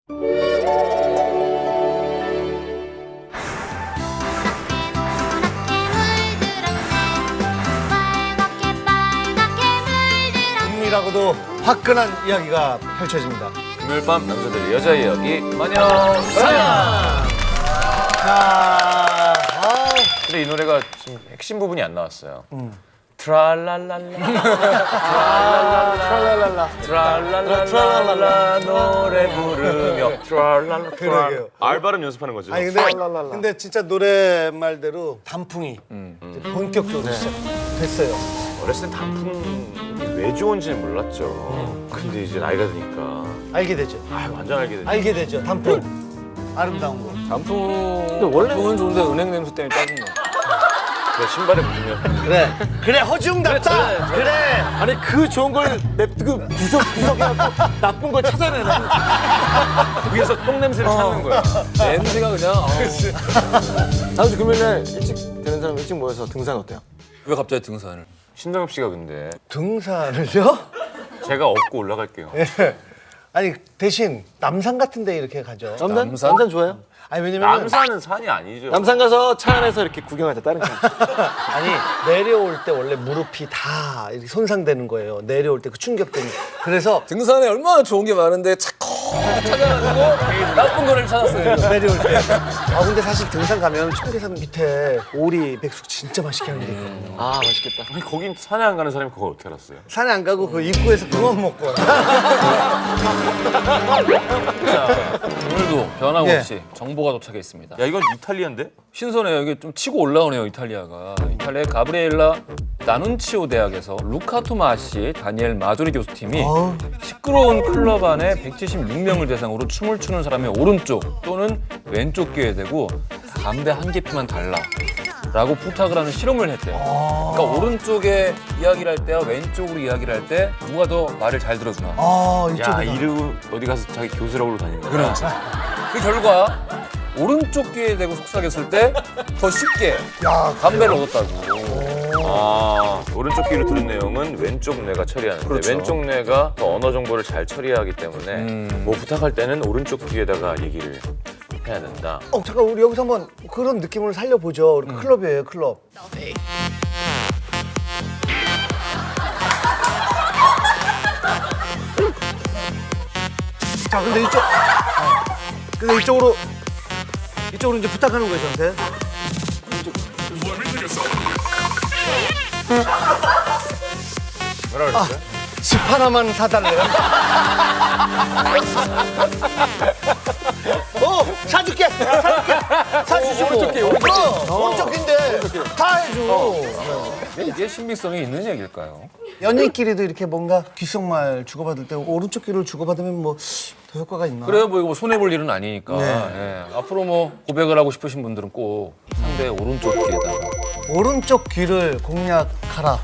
은밀하고도 화끈한 이야기가 펼쳐집니다. 금요일 밤 남자들의 여자 이야기 마녀 사냥. 근데 이 노래가 지금 핵심 부분이 안 나왔어요. 트랄랄랄라 트랄랄랄라 노래 부르며 트랄랄라 그러게요. 알 발음 연습하는 거죠. 아니 근데 진짜 노래 말대로 단풍이 본격적으로 시작됐어요. 어렸을 때 단풍이 왜 좋은지는 몰랐죠. 근데 이제 나이가 드니까 알게 되죠. 완전 알게 되죠. 알게 되죠. 단풍 아름다운 거. 단풍은 좋은데 은행 냄새 때문에 짜증나. 그 신발에 묻으면 그래 허중답다. 그래. 아니 그 좋은 걸 구석해갖고 나쁜 걸 찾아내라. 위에서 똥 냄새를 찾는 거야. 냄새가 그냥. 다음 주 금요일날 일찍 되는 사람 일찍 모여서 등산 어때요? 왜 갑자기 등산을? 신동엽 씨가 근데 등산을요? 제가 업고 올라갈게요. 아니 대신 남산 같은 데 이렇게 가죠. 남산 좋아요? 아니 왜냐면 남산은 산이 아니죠. 남산 가서 차 안에서 이렇게 구경하자 다른 차. 아니 내려올 때 원래 무릎이 다 이렇게 손상되는 거예요. 내려올 때 그 충격 때문에. 그래서 등산에 얼마나 좋은 게 많은데 찾아가지고 나쁜 거를 찾았어요. 내려올 때. 근데 사실 등산 가면 청계산 밑에 오리 백숙 진짜 맛있게 하는 데 있거든요. 아 맛있겠다. 아니 거긴 산에 안 가는 사람이 그걸 어떻게 알았어요? 산에 안 가고 그 입구에서 그만 먹고 와. 오늘도 변함없이 예. 정보가 도착했습니다. 야 이건 이탈리아인데? 신선해요. 이게 좀 치고 올라오네요, 이탈리아가. 이탈리아의 가브리엘라 나눈치오 대학에서 루카 토마시, 다니엘 마조리 교수팀이 시끄러운 클럽 안에 176명을 대상으로 춤을 추는 사람의 오른쪽 또는 왼쪽 귀에 대고 담배 한 개피만 달라. 라고 부탁을 하는 실험을 했대요. 그러니까 오른쪽에 이야기를 할 때와 왼쪽으로 이야기를 할 때 누가 더 말을 잘 들어주나. 야 이쪽이다. 이름 어디 가서 자기 교수라고 다니는 거야. 그렇죠. 그 결과 오른쪽 귀에 대고 속삭였을 때 더 쉽게 담배를 얻었다고. 오른쪽 귀로 들은 내용은 왼쪽 뇌가 처리하는데 그렇죠. 왼쪽 뇌가 더 언어 정보를 잘 처리하기 때문에 뭐 부탁할 때는 오른쪽 귀에다가 얘기를 해야 된다. 잠깐 우리 여기서 한번 그런 느낌을 살려보죠. 우리 클럽이에요, 클럽. 자, 근데 근데 이쪽으로 이제 부탁하는 거예요, 저한테. 뭐라 그랬어요? 집 하나만 사달래요. 사줄게. 사주시고. 오른쪽 귀인데 다 해줘. 이게 신빙성이 있는 얘기일까요? 연인끼리도 이렇게 뭔가 귓속말 주고받을 때 오른쪽 귀를 주고받으면 뭐 더 효과가 있나? 그래요, 뭐 이거 뭐 손해볼 일은 아니니까. 네. 예. 앞으로 뭐 고백을 하고 싶으신 분들은 꼭 상대의 오른쪽 귀에다가. 오른쪽 귀를 공략하라.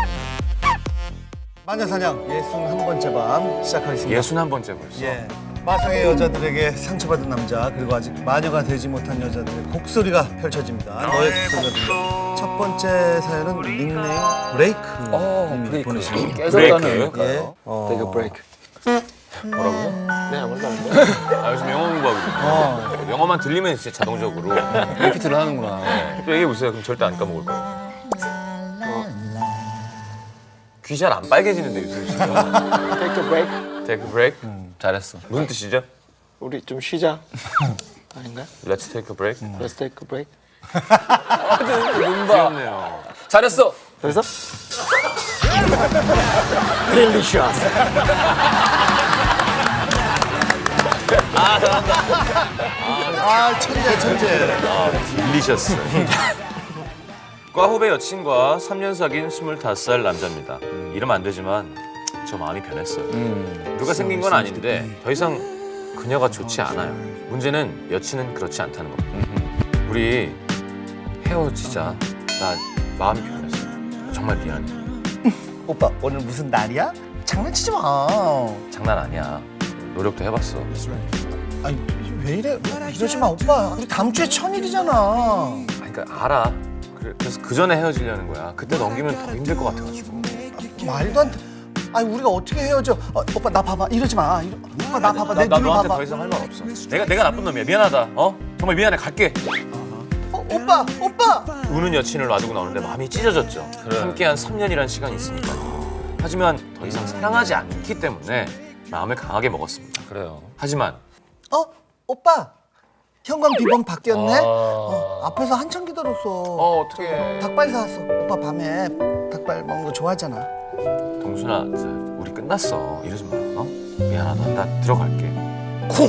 마녀사냥 61번째 밤 시작하겠습니다. 61번째 벌써. 예. 마성의 여자들에게 상처받은 남자 그리고 아직 마녀가 되지 못한 여자들의 곡소리가 펼쳐집니다. 너의 곡소리가 첫 번째 사연은 닉네임 브레이크 브레이크. 보내신 깨졌다는. 예. Take a break. 뭐라고요? 네 아무것도 안 돼. 요즘 영어 공부하거든요. 영어만 들리면 진짜 자동적으로 리피트를 하는구나. 또 얘기해보세요. 그럼 절대 안 까먹을 거예요. 귀 잘 안 빨개지는데 요즘 진짜. Take a break. Take a break. 잘했어. 무슨 뜻이죠? 우리 좀 쉬자. 아닌가요? Let's take a break. Let's take a break. 귀엽네요. 잘했어. 그래서? Delicious. 천재. 딜리셔스. 과 후배 여친과 3년 사귄 25살 남자입니다. 이러면 안 되지만 저 마음이 변했어요. 누가 생긴 건 아닌데 더 이상 그녀가 좋지 않아요. 문제는 여친은 그렇지 않다는 겁니다. 우리 헤어지자. 나 마음이 변했어. 정말 미안해. 오빠 오늘 무슨 날이야? 장난치지 마. 장난 아니야. 노력도 해봤어. 아니 왜 이래? 이러지 마 오빠. 우리 다음 주에 천일이잖아. 그러니까 알아. 그래서 그 전에 헤어지려는 거야. 그때 넘기면 더 힘들 것 같아가지고. 말도 안 돼. 아니 우리가 어떻게 헤어져? 오빠 나 봐봐 이러지 마. 오빠 나 봐봐 내 나 눈을 너한테 봐봐. 더 이상 할 말 없어. 내가 나쁜 놈이야. 미안하다. 정말 미안해. 갈게. 오빠. 우는 여친을 놔두고 나오는데 마음이 찢어졌죠. 그래. 함께한 3년이란 시간이 있으니까. 하지만 더 이상 사랑하지 않기 때문에 마음을 강하게 먹었습니다. 그래요. 하지만 오빠. 현관 비번 바뀌었네. 아. 앞에서 한참 기다렸어. 어떡해. 닭발 사왔어. 오빠 밤에 닭발 먹는 거 좋아하잖아. 동순아, 우리 끝났어. 이러지 마. 미안하다. 나 들어갈게. 쿵.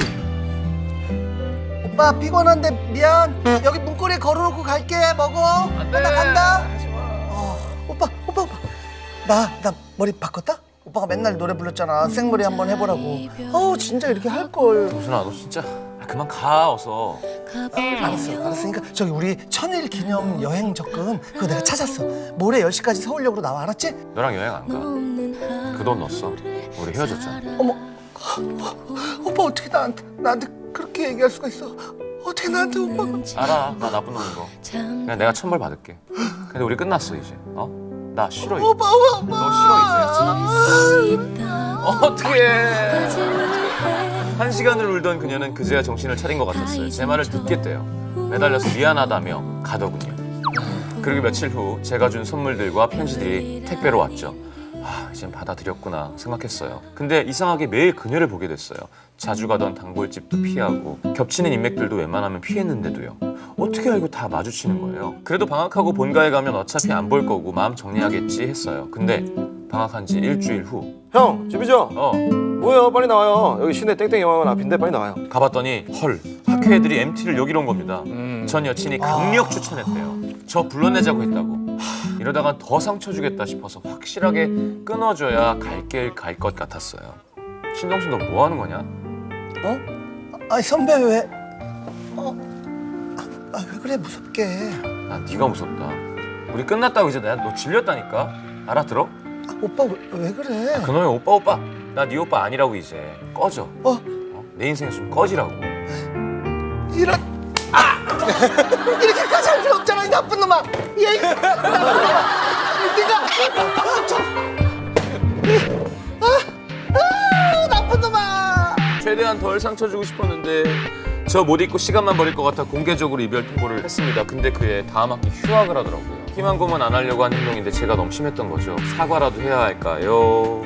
오빠 피곤한데 미안. 여기 문고리에 걸어놓고 갈게. 먹어. 나 간다. 오빠. 나 머리 바꿨다? 오빠가 맨날 노래 불렀잖아. 생머리 한번 해보라고. 진짜 이렇게 할 걸. 동순아, 너 진짜 그만 가 어서. 알았으니까 저기 우리 1000일 기념 여행 적금 그거 내가 찾았어. 모레 10시까지 서울역으로 나와. 알았지? 너랑 여행 안 가. 그 돈 넣었어. 우리 헤어졌잖아. 어머. 오빠 어떻게 나한테 그렇게 얘기할 수가 있어? 어떻게 나한테 오빠가? 알아. 나 나쁜 놈인 거. 그냥 내가 천벌 받을게. 근데 우리 끝났어 이제. 나 싫어 이제. 오빠. 너 싫어 이제. 어떡해. 1시간을 울던 그녀는 그제야 정신을 차린 것 같았어요. 제 말을 듣겠대요. 매달려서 미안하다며 가더군요. 그리고 며칠 후 제가 준 선물들과 편지들이 택배로 왔죠. 이젠 받아들였구나 생각했어요. 근데 이상하게 매일 그녀를 보게 됐어요. 자주 가던 단골집도 피하고 겹치는 인맥들도 웬만하면 피했는데도요. 어떻게 알고 다 마주치는 거예요. 그래도 방학하고 본가에 가면 어차피 안 볼 거고 마음 정리하겠지 했어요. 근데 방학한 지 일주일 후 형, 집이죠? 뭐예요? 빨리 나와요. 여기 시내 땡땡 영화관 앞인데 빨리 나와요. 가봤더니 헐, 학교 애들이 MT를 여기로 온 겁니다. 전 여친이 강력 추천했대요. 저 불러내자고 했다고. 이러다간 더 상처 주겠다 싶어서 확실하게 끊어줘야 갈 길 갈 것 같았어요. 신동순 너 뭐 하는 거냐? 아니 선배 왜? 왜 그래 무섭게? 나 네가 무섭다. 우리 끝났다고 이제 내가 너 질렸다니까. 알아들어? 오빠 왜 그래? 그놈의 오빠. 나 네 오빠 아니라고 이제. 꺼져. 내 인생에서 좀 꺼지라고. 이런 이렇게까지 할 필요 없잖아 이 나쁜 놈아. 얘 네가 나쁜 놈아. 최대한 덜 상처 주고 싶었는데 저 못 잊고 시간만 버릴 것 같아 공개적으로 이별 통보를 했습니다. 근데 그해 다음 학기 휴학을 하더라고요. 희망 고문 안 하려고 한 행동인데 제가 너무 심했던 거죠. 사과라도 해야 할까요?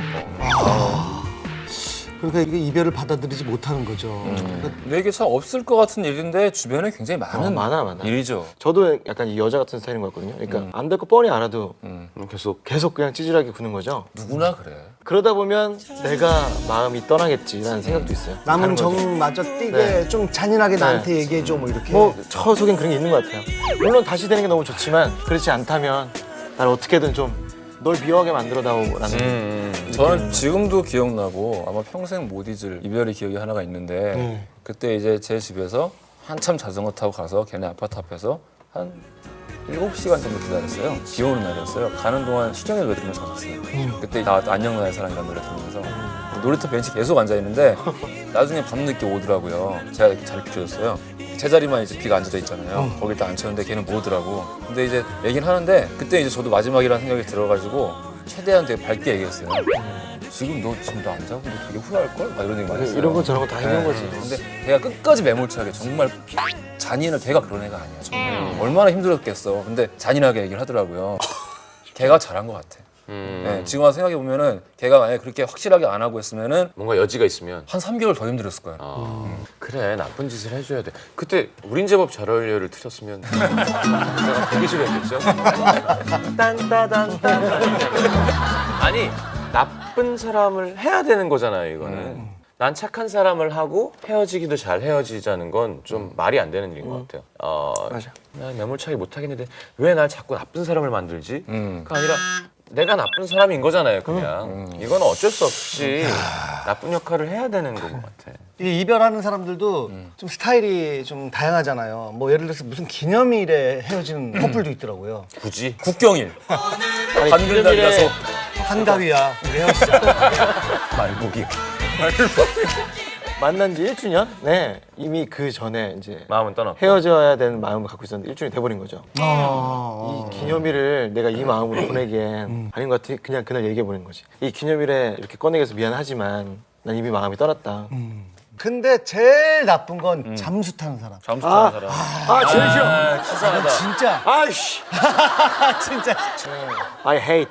그러니까 이게 이별을 받아들이지 못하는 거죠. 근데 이게 참 없을 것 같은 일인데 주변에 굉장히 많은 많아. 일이죠. 저도 약간 이 여자 같은 스타일인 것 같거든요. 그러니까 안 될 거 뻔히 알아도 계속 그냥 찌질하게 구는 거죠. 누구나 그래. 그러다 보면 내가 마음이 떠나겠지라는 생각도 있어요. 남은 다른 거죠. 정마저 뛰게 네. 좀 잔인하게 나한테 얘기해줘 뭐 이렇게. 저 속엔 그런 게 있는 것 같아요. 물론 다시 되는 게 너무 좋지만 그렇지 않다면 날 어떻게든 좀 널 미워하게 만들어다오라는. 저는 지금도 기억나고 아마 평생 못 잊을 이별의 기억이 하나가 있는데 그때 이제 제 집에서 한참 자전거 타고 가서 걔네 아파트 앞에서 한 7시간 정도 기다렸어요. 비 오는 날이었어요. 가는 동안 시정의 노래 들으면서 갔어요. 그때 나 안녕 나의 사랑이라는 노래 들으면서 놀이터 벤치 계속 앉아있는데 나중에 밤늦게 오더라고요. 제가 이렇게 자리 비켜줬어요. 제자리만 이제 비가 앉아져 있잖아요. 거길 딱 앉혔는데 걔는 못 오더라고. 근데 이제 얘기는 하는데 그때 이제 저도 마지막이라는 생각이 들어가지고 최대한 되게 밝게 얘기했어요. 지금 너 안 자고 너 되게 후회할걸? 막 이런 얘기 많이 했어요. 이런 거 저런 거 다 해본 거지. 근데 걔가 끝까지 매몰차게 정말 잔인한 걔가 그런 애가 아니야. 정말 얼마나 힘들었겠어. 근데 잔인하게 얘기를 하더라고요. 걔가 잘한 것 같아. 네, 지금 와서 생각해 보면은 걔가 만약에 그렇게 확실하게 안 하고 했으면은 뭔가 여지가 있으면 한 3개월 더 힘들었을 거야. 그래 나쁜 짓을 해줘야 돼. 그때 우린 제법 잘 어울려를 틀었으면 내가 되게 싫어했겠죠? 아니 나쁜 사람을 해야 되는 거잖아요 이거는. 난 착한 사람을 하고 헤어지기도 잘 헤어지자는 건 좀 말이 안 되는 일인 것 같아요. 맞아. 나 매몰차게 못 하겠는데 왜 날 자꾸 나쁜 사람을 만들지? 그게 아니라 내가 나쁜 사람인 거잖아요 그냥. 이건 어쩔 수 없이 나쁜 역할을 해야 되는 것 같아. 이 이별하는 사람들도 좀 스타일이 좀 다양하잖아요. 뭐 예를 들어서 무슨 기념일에 헤어지는 커플도 있더라고요. 굳이? 국경일. 한글날이라서 한가위야 우리 헤어지자. 말보기. 만난 지 1주년? 네. 이미 그 전에 이제 마음은 떠났고. 헤어져야 되는 마음을 갖고 있었는데 1주년이 돼버린 거죠. 어. 이 기념일을 내가 이 마음으로 보내기엔 아닌 것 같아. 그냥 그날 얘기해버린 거지. 이 기념일에 이렇게 꺼내기 위해서 미안하지만 난 이미 마음이 떠났다. 근데 제일 나쁜 건 잠수 타는 사람. 잠수 타는 사람. 아, 제일 싫어. 치사하다. 진짜. 아이씨. 진짜. I hate.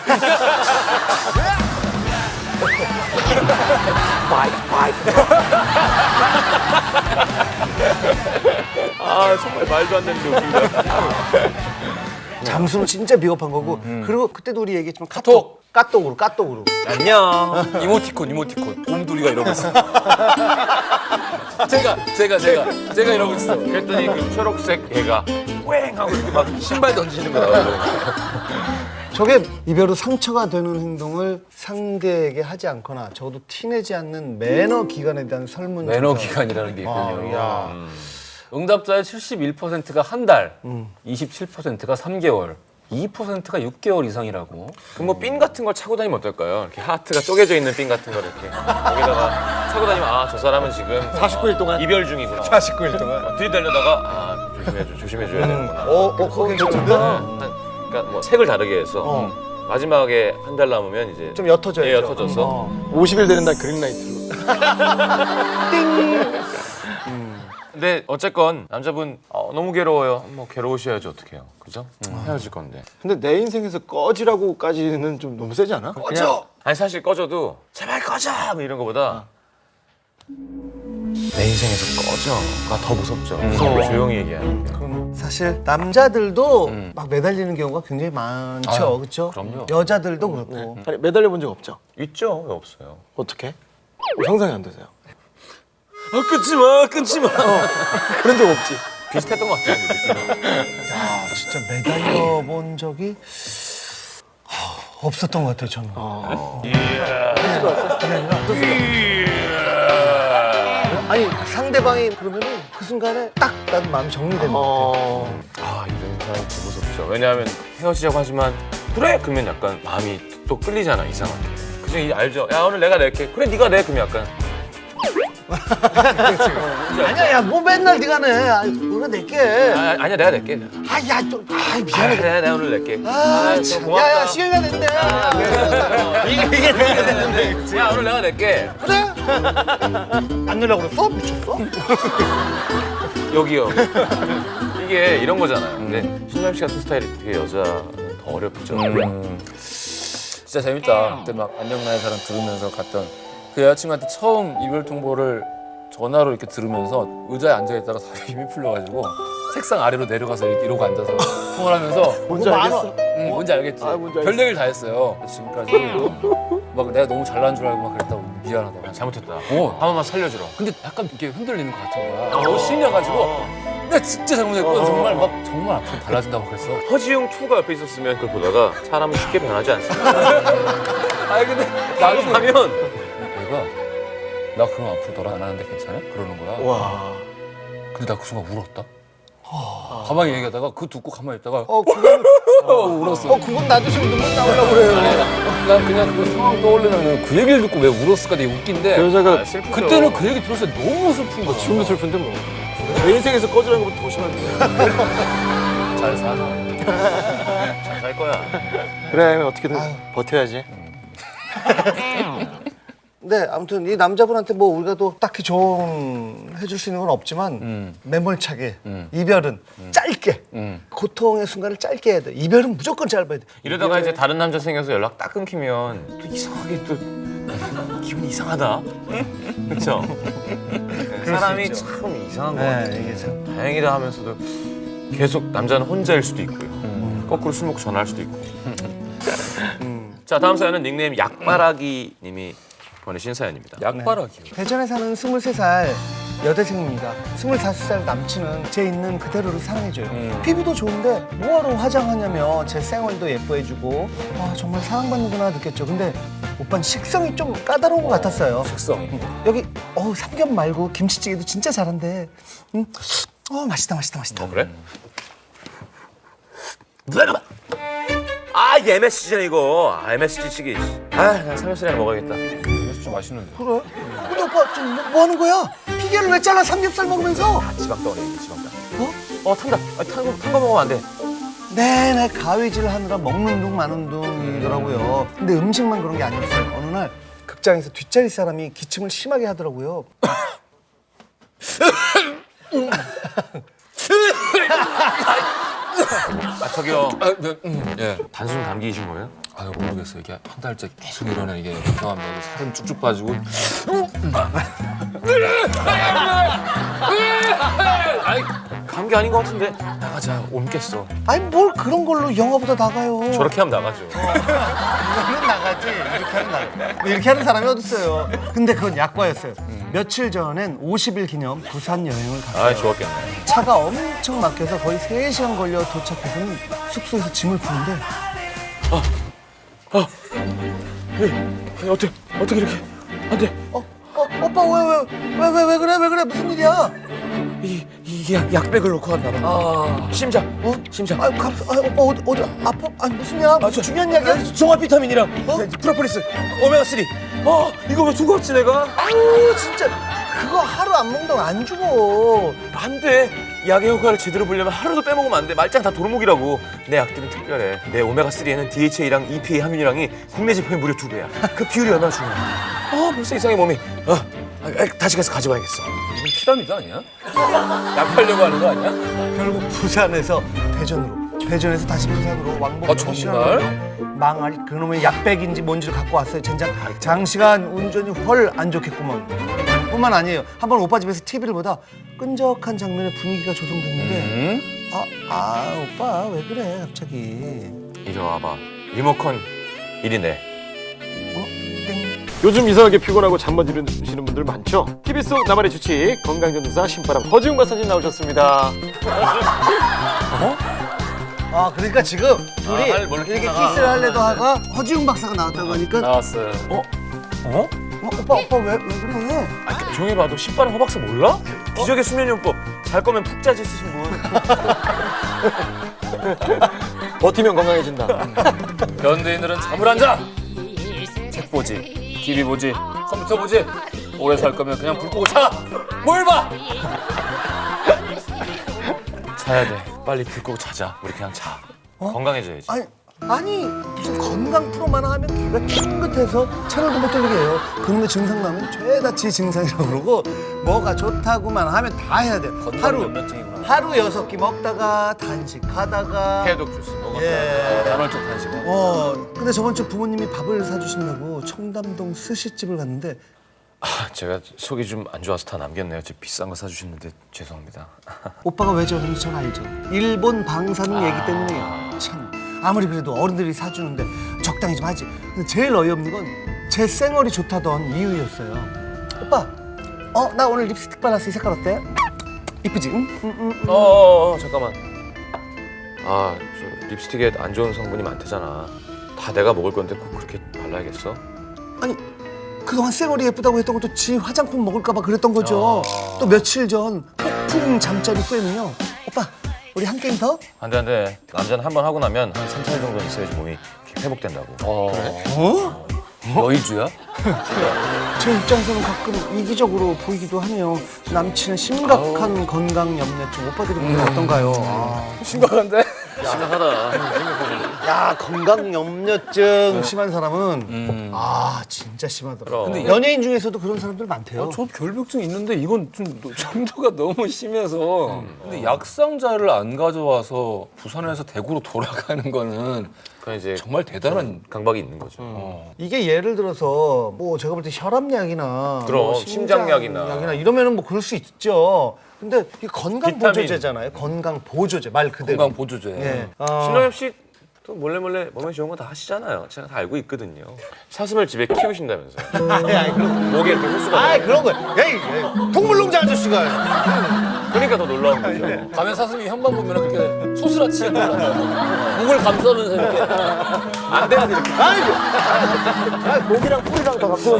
아 정말 말도 안 되는 웃기다. 잠수는 진짜 비겁한 거고. 그리고 그때도 우리 얘기했지만 카톡. 까똑으로. 안녕. 이모티콘. 곰돌이가 이러고 있어. 제가 이러고 있어. 그랬더니 그 초록색 개가 꽝 하고 이렇게 막 신발 던지는 거야. 저게 이별 후 상처가 되는 행동을 상대에게 하지 않거나 적어도 티내지 않는 매너 기간에 대한 설문. 매너 조사. 기간이라는 게 있군요. 야. 응답자의 71%가 한 달, 27%가 3개월, 2%가 6개월 이상이라고. 그 뭐 핀 같은 걸 차고 다니면 어떨까요? 이렇게 하트가 쪼개져 있는 핀 같은 걸 이렇게 여기다가 차고 다니면 아 저 사람은 지금 49일 동안 이별 중이구나. 49일 동안. 들이대려다가 아 조심해줘야 되는구나. 그거 괜찮은데? 그러니까 뭐 색을 다르게 해서 마지막에 한 달 남으면 이제 좀 옅어져야죠. 예, 옅어져서 50일 되는 날 그린라이트로. 근데 어쨌건 남자분 너무 괴로워요. 뭐 괴로우셔야지 어떡해요. 그죠? 헤어질 건데. 근데 내 인생에서 꺼지라고까지는 좀 너무 세지 않아? 꺼져! 아니 사실 꺼져도 제발 꺼져! 뭐 이런 거보다 내 인생에서 꺼져가 더 무섭죠. 무서워. 조용히 얘기하는 게. 그럼 사실 남자들도 막 매달리는 경우가 굉장히 많죠, 그렇죠? 그럼요. 여자들도 그렇고. 아니, 매달려 본 적 없죠? 있죠? 왜 없어요? 어떻게? 상상이 안 되세요? 끊지 마. 그런 적 없지. 비슷했던 것 같아요. 느낌이. 야, 진짜 매달려 본 적이 없었던 것 같아요, 저는. 아니 상대방이 그러면은 그 순간에 딱 나도 마음이 정리되는 것 같아요. 아 이런 사람이 더 무섭죠. 왜냐하면 헤어지자고 하지만 그래 그러면 약간 마음이 또 끌리잖아 이상하게. 그중 알죠? 야 오늘 내가 낼게. 그래 네가 내. 그러면 약간 아니야, 야, 뭐 맨날 네가 내. 우리가 낼게. 아니야 내가 낼게. 야, 좀, 미안해. 그래 내가 오늘 낼게. 아, 참. 고맙다. 야, 시간이 됐네. 이게 돼야 되는데. 야 오늘 내가 낼게. 그래? 안 내려고 그랬어? 미쳤어? 여기요. 이게 이런 거잖아요. 근데 신남 씨 같은 스타일이 되게 여자는 더 어렵죠. 진짜 재밌다. 그때 막 안녕 나의 사랑 들으면서 갔던 그 여자친구한테 처음 이별 통보를 전화로 이렇게 들으면서 의자에 앉아있다가 다리 힘이 풀려가지고 책상 아래로 내려가서 이러고 앉아서 통화를 하면서 뭔지 알겠어? 응, 뭔지 알겠지? 뭔지 별 얘기를 다 했어요. 지금까지 막 내가 너무 잘난 줄 알고 막 그랬다고 미안하다고. 잘못했다. 한 번만 살려주라. 근데 약간 이렇게 흔들리는 것 같은 거야. 너무 실려가지고 내가 진짜 잘못했고 정말 앞으로 달라진다고 그랬어. 허지웅 2가 옆에 있었으면 그걸 보다가 사람은 쉽게 변하지 않습니다. 아니 근데 나중에 하면 얘가 나 그럼 앞으로 너랑 안 하는데 괜찮아? 그러는 거야. 와. 근데 나 그 순간 울었다. 가만히 얘기하다가 그거 듣고 가만히 있다가 그건, 울었어. 그건 나도 지금 눈물 나오려고 그래요. 난 그냥 그 상황 떠올리면 그 얘기를 듣고 왜 울었을까 되게 웃긴데 그 여자가 슬프죠. 그때는 그 얘기 들었을 때 너무 슬픈 거지. 지금도 슬픈데 뭐. 내 인생에서 꺼지라는 것보다 더 심한데. 잘 살아. 잘 살 거야. 그래, 어떻게든 버텨야지. 네, 아무튼 이 남자분한테 뭐 우리가 또 딱히 조언해줄 수 있는 건 없지만 매몰차게 이별은 짧게 고통의 순간을 짧게 해야 돼. 이별은 무조건 짧아야 돼. 이러다가 이제 다른 남자 생겨서 연락 딱 끊기면 또 이상하게 또 기분이 이상하다. 그렇죠? 사람이 참 이상한 거 같아요. 네, 이게 참. 다행이다 하면서도 계속 남자는 혼자일 수도 있고요. 거꾸로 술 먹고 전화할 수도 있고. 자 다음 사연은 닉네임 약바라기 님이 보내신 사연입니다. 약바라기요. 대전에 사는 23살 여대생입니다. 25살 남친은 제 있는 그대로를 사랑해줘요. 피부도 좋은데 뭐하러 화장하냐며 제 생얼도 예뻐해주고 아, 정말 사랑받는구나 느꼈죠. 근데 오빠는 식성이 좀 까다로운 것 같았어요. 식성. 여기 삼겹 말고 김치찌개도 진짜 잘한대. 맛있다. 그래? 아 이게 MSG잖아 이거. MSG 치기. 난 삼겹살이나 먹어야겠다. 진짜 맛있는데. 그래? 근데 오빠 지금 뭐 하는 거야? 피겨를 왜 잘라 삼겹살 먹으면서? 지방 덩어리, 지방 덩어리. 어? 탄다. 탄 거 먹으면 안 돼. 내내 가위질 하느라 먹는 둥 마는 둥이더라고요. 근데 음식만 그런 게 아니었어요. 어느 날 극장에서 뒷자리 사람이 기침을 심하게 하더라고요. 저기요. 예. 단순 감기이신 거예요? 아유 모르겠어요. 이게 한 달째 계속 이러네 이게. 죄송합니다. 이게 살은 쭉쭉 빠지고. 아니, 감기 아닌 것 같은데. 나가자, 옮겠어. 아니 뭘 그런 걸로 영화보다 나가요. 저렇게 하면 나가죠. 이거는 나가지. 이렇게 하면 나가. 이렇게 하는 사람이 어딨어요. 근데 그건 약과였어요. 며칠 전엔 50일 기념 부산 여행을 갔어요. 아, 좋았겠네. 차가 엄청 막혀서 거의 3시간 걸려 도착해서는 숙소에서 짐을 푸는데 어떻게 이렇게. 안 돼. 오빠 왜 그래 무슨 일이야? 이게 약백을 놓고 갔나 봐. 심장. 심장. 오빠 어디 아파? 아니 무슨 약? 무슨 중요한 약이야? 종합 비타민이랑 프로폴리스, 오메가3. 이거 왜 두고 왔지 내가? 아유 진짜 그거 하루 안 먹는다고 안 죽어. 안 돼. 약의 효과를 제대로 보려면 하루도 빼먹으면 안 돼. 말짱 다 도루묵이라고. 내 약들은 특별해. 내 오메가3에는 DHA랑 EPA 함유량이 국내 제품의 무려 2배야. 그 비율이 얼마나 중요해. 벌써 이상해 몸이. 다시 가서 가져와야겠어. 이건 피라미드 아니야? 약 팔려고 하는 거 아니야? 결국 부산에서 대전에서 다시 부산으로 왕복 아, 정말? 망할 그놈의 약백인지 뭔지를 갖고 왔어요. 젠장 장시간 운전이 헐 안 좋겠구먼. 뿐만 아니에요. 한번 오빠 집에서 TV를 보다 끈적한 장면의 분위기가 조성됐는데 오빠 왜 그래 갑자기. 이리 와봐. 리모컨 이리 내. 땡. 요즘 이상하게 피곤하고 잠 못 이루시는 분들 많죠? TV 속 나만의 주칙 건강전도사 신바람 허지웅 박사님 나오셨습니다. 그러니까 지금 둘이 뭘 이렇게 하다가. 키스를 할래도 하가 허지웅 박사가 나왔다고 하니까 나왔어요. 오빠 왜 그래? 조용히 봐도 신바람 허박사 몰라? 기적의 수면요법. 잘 거면 푹 자지 쓰신 분. 버티면 건강해진다. 현대인들은 잠을 안 자. 책 보지, TV 보지, 컴퓨터 보지. 오래 살 거면 그냥 불 끄고 자. 뭘 봐? 자야 돼. 빨리 불 끄고 자자. 우리 그냥 자. 건강해져야지. 아니 무슨 건강 프로만 하면 귀가 쫑긋해서 채널도 못 돌리게 해요. 그놈의 증상 나면 죄다 지 증상이라고 그러고 뭐가 좋다고만 하면 다 해야 돼요. 건강면역증이구나. 하루 6끼 먹다가 단식하다가 해독 주스 먹었다. 예. 간헐적 단식. 근데 저번 주 부모님이 밥을 사주신다고 청담동 스시집을 갔는데 제가 속이 좀 안 좋아서 다 남겼네요. 제 비싼 거 사주셨는데 죄송합니다. 오빠가 왜 저러는지 전 알죠. 일본 방사능 얘기 때문에 참 아무리 그래도 어른들이 사주는데 적당히 좀 하지. 근데 제일 어이없는 건 제 쌩얼이 좋다던 이유였어요. 오빠, 나 오늘 립스틱 발랐어. 이 색깔 어때? 이쁘지? 응? 잠깐만. 저 립스틱에 안 좋은 성분이 많대잖아. 다 내가 먹을 건데 꼭 그렇게 발라야겠어? 아니 그동안 쌩얼이 예쁘다고 했던 것도 지 화장품 먹을까 봐 그랬던 거죠. 또 며칠 전 폭풍 잠자리 후에는요. 오빠 우리 한 게임 더? 안 돼. 남자는 한 번 하고 나면 한 3, 4일 정도 있어야지 몸이 이렇게 회복된다고. 그래? 여의주야? 제 입장에서는 가끔 이기적으로 보이기도 하네요. 남친의 심각한 건강 염려증. 오빠들이 보면 어떤가요? 심각한데? 심각하다. 야 건강 염려증 심한 사람은 진짜 심하더라. 근데 연예인 중에서도 그런 사람들 많대요. 저 결벽증 있는데 이건 좀 정도가 너무 심해서. 근데 약상자를 안 가져와서 부산에서 대구로 돌아가는 거는 그건 이제 정말 대단한. 강박이 있는 거죠. 이게 예를 들어서 뭐 제가 볼 때 혈압약이나 그럼, 뭐 심장약이나. 이러면은 뭐 그럴 수 있죠. 근데 이게 건강 비타민. 보조제잖아요. 건강 보조제 말 그대로. 건강 보조제. 예. 신동엽 씨 또 몰래 몸에 좋은 거 다 하시잖아요. 제가 다 알고 있거든요. 사슴을 집에 키우신다면서요. 아니 그런 목에 이렇게 호수가. 그런 거야. 에이, 동물농장 아저씨가. 그러니까 더 놀라운 거죠. 가면 사슴이 현방 보면 그렇게 소스라치게 목을 감싸면서 이렇게. 안 돼야 돼 이렇게. 목이랑 뿔이랑 다 갖고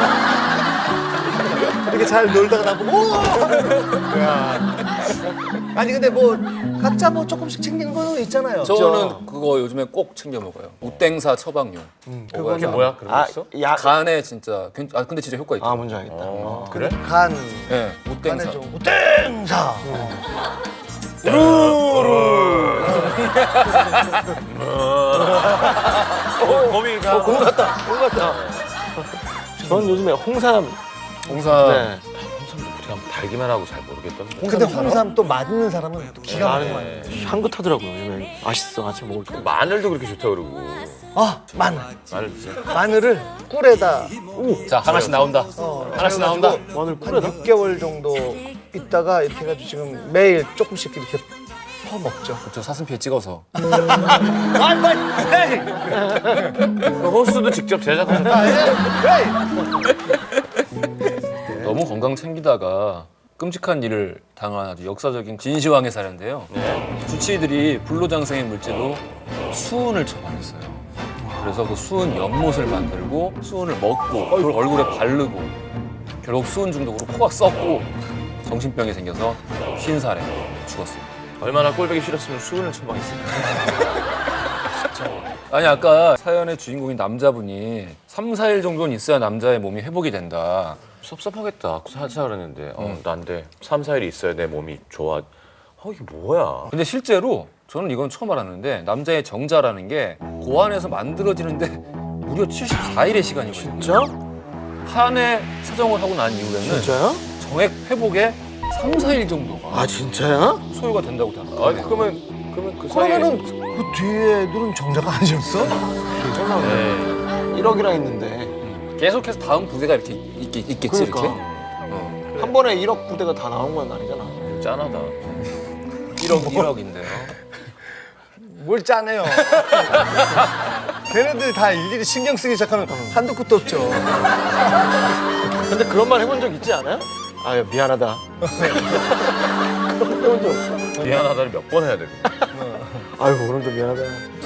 이렇게 잘 놀다가 나보고 야. 아니 근데 뭐 각자 뭐 조금씩 챙기는 거 있잖아요. 저는 그거 요즘에 꼭 챙겨 먹어요. 우땡사 처방용. 그게 뭐야? 그런 거 아, 있어? 약. 간에 진짜 근데 진짜 효과 있죠. 아, 뭔지 알겠다. 그래? 간 네, 간에 우땡사. 좀 우땡사. 거미가 공 같다. 전 요즘에 홍삼. 홍삼. 네. 그냥 달기만 하고 잘 모르겠던데. 근데 홍삼 또 맞는 사람은 또 기가 막히게 나는 향긋하더라고요. 요즘에 맛있어. 아침 먹을 때. 마늘도 그렇게 좋다 그러고. 아 마늘. 마늘 드세요? 마늘을 꿀에다 자, 하나씩 나온다. 하나씩 나온다. 마늘 한 꿀에다. 6개월 정도 있다가 이렇게 해가지고 지금 매일 조금씩 이렇게 퍼 먹죠. 저 사슴피에 찍어서. 그 호수도 직접 제작하셨다. 너무 건강 챙기다가 끔찍한 일을 당한 아주 역사적인 진시황의 사례인데요. 주치의들이 불로장생의 물질로 수은을 처방했어요. 그래서 그 수은 연못을 만들고 수은을 먹고 그걸 얼굴에 바르고 결국 수은 중독으로 코가 썩고 정신병이 생겨서 50살에 죽었습니다. 얼마나 꼴보기 싫었으면 수은을 처방했을까. 아니 아까 사연의 주인공인 남자분이 3, 4일 정도는 있어야 남자의 몸이 회복이 된다. 섭섭하겠다. 사자 그랬는데 난데 3, 4일이 있어야 내 몸이 좋아. 이게 뭐야? 근데 실제로 저는 이건 처음 알았는데 남자의 정자라는 게 고안에서 만들어지는데 무려 74일의 시간이 걸려요. 진짜? 한해 사정을 하고 난 이후에는 진짜요? 정액 회복에 3, 4일 정도가 아, 진짜야? 소요가 된다고 다. 그러면 그 사이에 그러면은 그 뒤에 누른 정자가 아니었어? 설마 네. 1억이나 있는데. 계속해서 다음 부대가 이렇게 있겠지 그러니까. 이렇게. 한 번에 1억 부대가 다 나온 건 아니잖아. 짠하다. 1억인데요. 뭘 짜네요. 걔네들 다 일일이 신경 쓰기 시작하면 한도 끝도 없죠. 근데 그런 말 해본 적 있지 않아요? 아, 미안하다. 그런 말 해본 적 없어? 미안하다를 몇 번 해야 돼? 아이고, 오늘도 미안하다.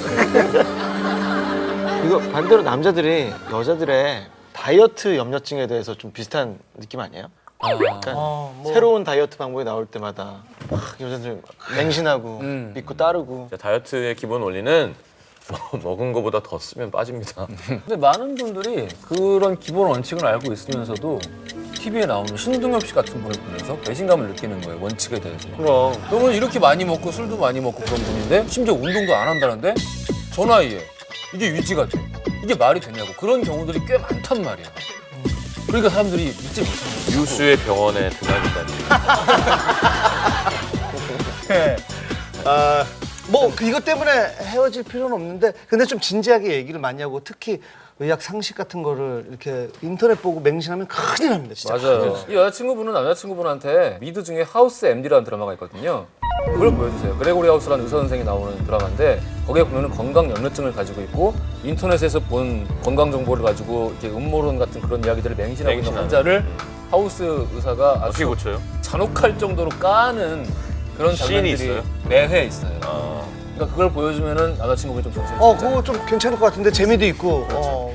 이거 반대로 남자들이 여자들의 다이어트 염려증에 대해서 좀 비슷한 느낌 아니에요? 그러니까 새로운 다이어트 방법이 나올 때마다 막 여자들 맹신하고 믿고 따르고. 다이어트의 기본 원리는 먹은 거보다 더 쓰면 빠집니다. 근데 많은 분들이 그런 기본 원칙을 알고 있으면서도 TV에 나오는 신동엽 씨 같은 분을 보면서 배신감을 느끼는 거예요. 원칙에 대해서. 그럼 너는 이렇게 많이 먹고 술도 많이 먹고 그런 분인데 심지어 운동도 안 한다는데 저 나이에 이게 유지가 돼. 이게 말이 되냐고. 그런 경우들이 꽤 많단 말이야. 그러니까 사람들이 믿지 못하는 거야. 유수의 병원에 드나든다니. 뭐 이것 때문에 헤어질 필요는 없는데 근데 좀 진지하게 얘기를 많이 하고 특히 의학 상식 같은 거를 이렇게 인터넷 보고 맹신하면 큰일 납니다 진짜. 맞아요. 이 여자친구분은 남자친구분한테 미드 중에 하우스 MD라는 드라마가 있거든요. 그걸 보여주세요. 그레고리 하우스라는 의사 선생이 나오는 드라마인데 거기에 보면은 건강 염려증을 가지고 있고 인터넷에서 본 건강 정보를 가지고 이렇게 음모론 같은 그런 이야기들을 맹신하고 있는 맹신하는. 환자를 하우스 의사가 어떻게 아주 고쳐요? 잔혹할 정도로 까는 그런 씬이 장면들이 있어요? 매회 있어요. 아, 그러니까 그걸 보여주면은 남자친구분이 좀 정신이 그거 좀 괜찮을 것 같은데 재미도 있고.